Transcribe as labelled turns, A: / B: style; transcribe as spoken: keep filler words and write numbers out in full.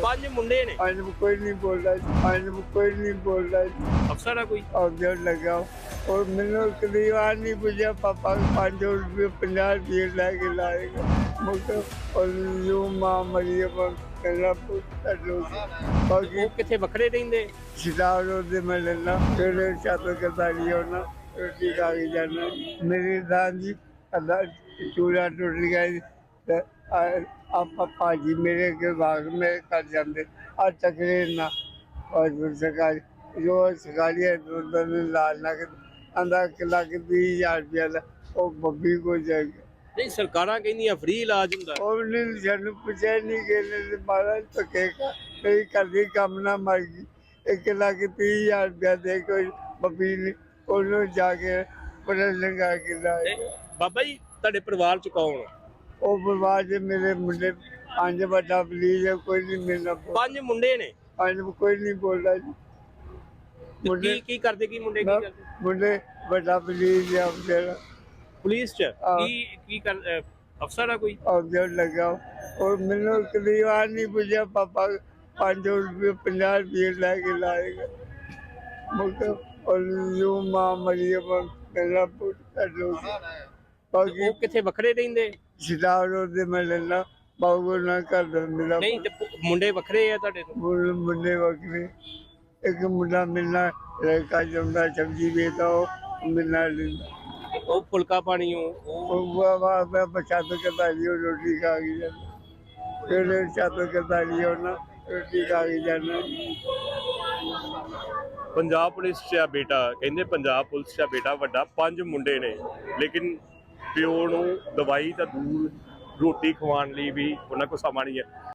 A: ਪੰਜ ਮੁੰਡੇ ਨੇ
B: आज कोई नहीं बोल रहा आज कोई नहीं बोल रहा
A: ਅਫਸਰ ਆ ਕੋਈ
B: और जब लगा और मैंने करीबान नहीं पूछा पापा पाँच सौ रुपये पंजाह रुपये लाके लाएगा मुझे और यूँ माँ मरी कहना पूछता लोग बाकी
A: ਉਹ ਕਿੱਥੇ ਵੱਖਰੇ ਰਹਿੰਦੇ
B: सितार होते मैं लेना फिर छत करता लिया होना रोटी खा के जाना मेरी दान जी अल्लाह चूड़ा टूट गया आप भाजी मेरे के बाग में कर जाते आ चकरे ना और फिर सरकारी जो सरकारी है उन्होंने लाल ना आंदा किला के बीस हजार रुपया ला वो बब्बी को जाएगा
A: ਨਹੀਂ ਸਰਕਾਰਾਂ ਕਹਿੰਦੀਆਂ ਫ੍ਰੀ ਇਲਾਜ ਹੁੰਦਾ
B: और नहीं जन पूछा नहीं गए महाराज तो कहेगा मेरी कर दी कम ना मर गई एक लाख तीस हजार रुपया दे कोई बब्बी ने उन्होंने जाके बड़ा लंगा के लाए
A: ਤੇ ਬਾਬਾ ਜੀ ਤੁਹਾਡੇ ਪਰਿਵਾਰ ਚ ਕੌਣ ਆ?
B: ਉਹ ਪਰਿਵਾਰ ਦੇ ਮੇਰੇ ਮੁੰਡੇ ਪੰਜ ਵੱਡਾ ਪਲੀਜ਼ ਹੈ ਕੋਈ ਨਹੀਂ ਮਿਲਣਾ
A: ਪੰਜ ਮੁੰਡੇ ਨੇ
B: ਪੰਜ ਕੋਈ ਨਹੀਂ ਬੋਲਦਾ ਜੀ
A: ਤੇ
B: ਮੁੰਡੇ
A: ਕੀ ਕੀ ਕਰਦੇ ਕੀ ਮੁੰਡੇ ਕੀ ਕਰਦੇ
B: ਮੁੰਡੇ ਵੱਡਾ ਪਲੀਜ਼ ਹੈ ਮੇਰਾ
A: ਪੁਲਿਸ ਚ
B: ਹਾਂ।
A: ਕੀ ਕੀ ਕਰ ਅਹ, ਅਫਸਰ ਆ ਕੋਈ
B: और जब लगा और मैंने करीबान नहीं पूछा पापा पाँच सौ रुपये पंजाह रुपये लाके लाएगा मुझे और यूँ माँ मरी कहना पूछता लोग बाकी
A: ਉਹ ਕਿੱਥੇ ਵੱਖਰੇ ਰਹਿੰਦੇ
B: सितार होते मैं लेना बाबू ना कर दो मेरा
A: ਨਹੀਂ ਤੇ ਪ- ਮੁੰਡੇ ਵੱਖਰੇ ਆ ਤੁਹਾਡੇ ਤੋਂ
B: मुंडे मुंडे वक्रे एक मुंडा मिलना लड़का जमदा सब्जी बेचता हो मिलना लेना
A: ਉਹ ਫੁਲਕਾ ਪਾਣੀ ਉਹ ਉਹ
B: और वो मैं बचात करता लियो रोटी खा के जाना फिर छत करता लियो ना रोटी खा के जाना
A: ਪੰਜਾਬ ਪੁਲਿਸ 'ਚ ਆ ਬੇਟਾ ਕਹਿੰਦੇ ਪੰਜਾਬ ਪੁਲਿਸ 'ਚ ਆ ਬੇਟਾ ਵੱਡਾ ਪੰਜ ਮੁੰਡੇ ਨੇ ਲੇਕਿਨ ਪਿਓ ਨੂੰ ਦਵਾਈ ਤਾਂ ਦੂਰ ਰੋਟੀ ਖਵਾਉਣ ਲਈ ਵੀ ਉਹਨਾਂ ਕੋਲ ਸਮਾਂ ਨਹੀਂ ਹੈ